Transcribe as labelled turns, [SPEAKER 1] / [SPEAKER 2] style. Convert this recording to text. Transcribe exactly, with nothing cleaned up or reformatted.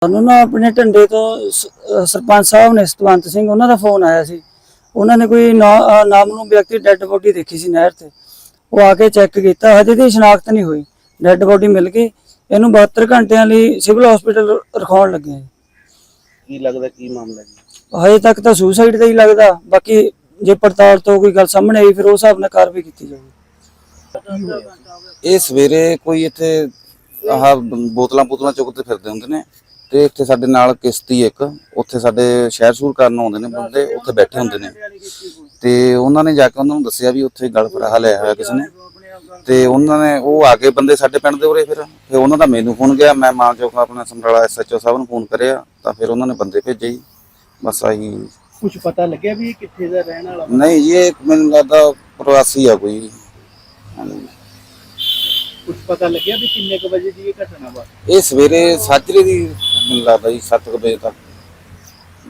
[SPEAKER 1] ਸਾਨੂੰ ਨਾ ਆਪਣੇ ਢੰਡੇ ਤੋਂ ਸਰਪੰਚ ਸਾਹਿਬ ਨੇ ਸਤਵੰਤ ਸਿੰਘ ਉਹਨਾਂ ਦਾ ਫੋਨ ਆਇਆ ਸੀ। ਉਹਨਾਂ ਨੇ ਕੋਈ ਨਾਮਲੂਮ ਵਿਅਕਤੀ ਡੈੱਡ ਬੋਡੀ ਦੇਖੀ ਸੀ ਨਹਿਰ ਤੇ। ਉਹ ਆ ਕੇ ਚੈੱਕ ਕੀਤਾ, ਹਜੇ ਦੀ ਸ਼ਨਾਖਤ ਨਹੀਂ ਹੋਈ। ਡੈੱਡ ਬੋਡੀ ਮਿਲ ਗਈ, ਇਹਨੂੰ ਬਹੱਤਰ ਘੰਟਿਆਂ ਲਈ ਸਿਵਲ ਹਸਪੀਟਲ ਰਖਾਉਣ ਲੱਗੇ।
[SPEAKER 2] ਕੀ ਲੱਗਦਾ ਕੀ ਮਾਮਲਾ ਜੀ?
[SPEAKER 1] ਹਜੇ ਤੱਕ ਤਾਂ ਸੁਸਾਈਡ ਦਾ ਹੀ ਲੱਗਦਾ, ਬਾਕੀ ਜੇ ਪੜਤਾਲ ਤੋਂ ਕੋਈ ਗੱਲ ਸਾਹਮਣੇ ਆਈ ਫਿਰ ਉਸ ਹਿਸਾਬ ਨਾਲ ਕਾਰਵਾਈ ਕੀਤੀ ਜਾਊਗੀ।
[SPEAKER 3] ਇਹ ਸਵੇਰੇ ਕੋਈ ਇੱਥੇ ਆਹ ਬੋਤਲਾਂ ਬੋਤਲਾਂ ਚੁੱਕਦੇ ਫਿਰਦੇ ਹੁੰਦੇ ਨੇ ਤੇ ਇੱਥੇ ਸਾਡੇ ਨਾਲ ਕਿਸ਼ਤੀ ਇੱਕ ਉੱਥੇ ਸਾਡੇ ਸ਼ਹਿਰ ਸ਼ੂਰ ਕਰਨ ਆਉਂਦੇ ਨੇ ਬੰਦੇ, ਉੱਥੇ ਬੈਠੇ ਹੁੰਦੇ ਨੇ ਤੇ ਉਹਨਾਂ ਨੇ ਜਾ ਕੇ ਉਹਨਾਂ ਨੂੰ ਦੱਸਿਆ ਵੀ ਉੱਥੇ ਗਲ ਫਰਾਹਾ ਲਿਆ ਹੋਇਆ ਕਿਸੇ ਨੇ ਤੇ ਉਹਨਾਂ ਨੇ ਉਹ ਆ ਕੇ ਬੰਦੇ ਸਾਡੇ ਪਿੰਡ ਦੇ ਉਰੇ ਫਿਰ ਫਿਰ ਉਹਨਾਂ ਦਾ ਮੈਨੂੰ ਫੋਨ ਗਿਆ, ਮੈਂ ਮਾਂ ਚੌਕ ਆਪਣਾ ਸਮਰਾਲਾ ਐਸ ਐਚ ਓ ਸਾਹਿਬ ਨੂੰ ਫੋਨ ਕਰਿਆ ਤਾਂ ਫਿਰ ਉਹਨਾਂ ਨੇ ਬੰਦੇ ਭੇਜੇ। ਬਸ ਆਹੀ
[SPEAKER 2] ਕੁਝ ਪਤਾ ਲੱਗਿਆ ਵੀ ਇਹ ਕਿੱਥੇ ਦਾ ਰਹਿਣ ਵਾਲਾ?
[SPEAKER 3] ਨਹੀਂ ਜੀ, ਇਹ ਮੈਨੂੰ ਲੱਗਦਾ ਪ੍ਰਵਾਸੀ ਆ ਕੋਈ।
[SPEAKER 2] ਕੁਝ ਪਤਾ ਲੱਗਿਆ ਵੀ ਕਿੰਨੇ ਕੁ ਵਜੇ ਦੀ ਇਹ ਘਟਨਾ ਵਾ?
[SPEAKER 3] ਇਹ ਸਵੇਰੇ ਸਾਜਰੇ ਦੀ ਮੈਨੂੰ ਲੱਗਦਾ ਜੀ ਸੱਤ ਕੁ ਵਜੇ ਤੱਕ